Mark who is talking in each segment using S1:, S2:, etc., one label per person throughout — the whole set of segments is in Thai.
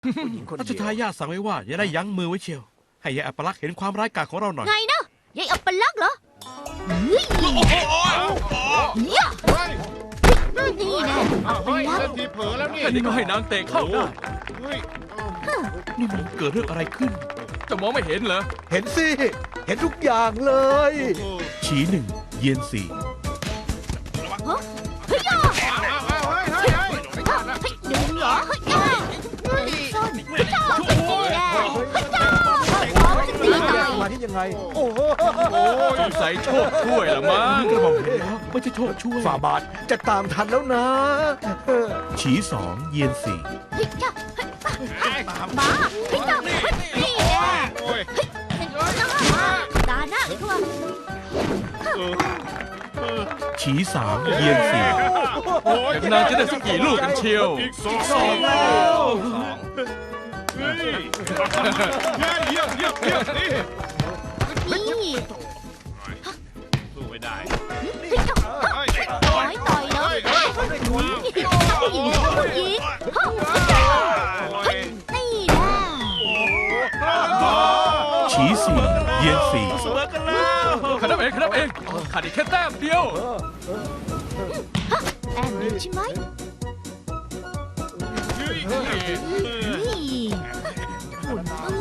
S1: รัชทายาทสั่งไว้ว่าอย่าได้ยั้งมือไว้เชียวให้ยายอัปลักษณ์เห็นความร้ายกาจของเราหน่อย
S2: ไงนะยายอัปลักษณ์เหรอเนี่ยนี่แน่อัปลักษณ์
S3: ทีเผลอแล้วเนี่ย
S4: แค่นี้ก็ให้นางเตะเข้าได้
S1: นี่มันเกิดเรื่องอะไรขึ้น
S4: จะมองไม่เห็นเหรอ
S5: เห็นสิ เห็นทุกอย่างเลย
S1: ฉีหนึ่งเย็นสี่
S2: เฮ้ยย่าดึงเหรอเฮ้ยย่าส้นเฮ้ยย่าเป็นนี่แน่เฮ้ยย่าขอจะตีหน่อย
S5: มาที่ยังไง โอ้โห
S4: สงสัยโชคช่วยละมั้ง
S1: กระบอกเห็นแล้วไม่ใช่โชคช่วย
S5: ฝ่าบาทจะตามทันแล้วนะ
S1: ฉีสองเย็นสี่
S2: เฮ้ยย่ามาเฮ้ยย่านี่แน่เฮ้ยตาหน้าทั่ว
S1: ฉีสามเย็นสี่
S4: เดี๋ยวนางจะได้สักกี่ลูกกันเชียว
S3: อีกสองแล้วเยี่ยมนี่
S2: นี่
S3: สู้ไม่ได้
S2: เฮ้ยย่าต่อยต่อยเลยผู้หญิงผู้หญิงนี่แน่
S1: ฉีสี่เย็นสี่
S4: ขนับเองขาดอีกแค่แต้มเดียว
S2: แอมเดียวใช่ไหมนี่หุ่นตู้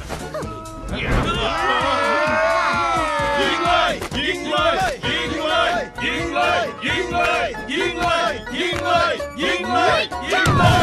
S3: ยิงเลยยิงเลยยิงเลยยิงเลยยิงเลยยิงเลยยิงเลยยิงเลยยิงเลย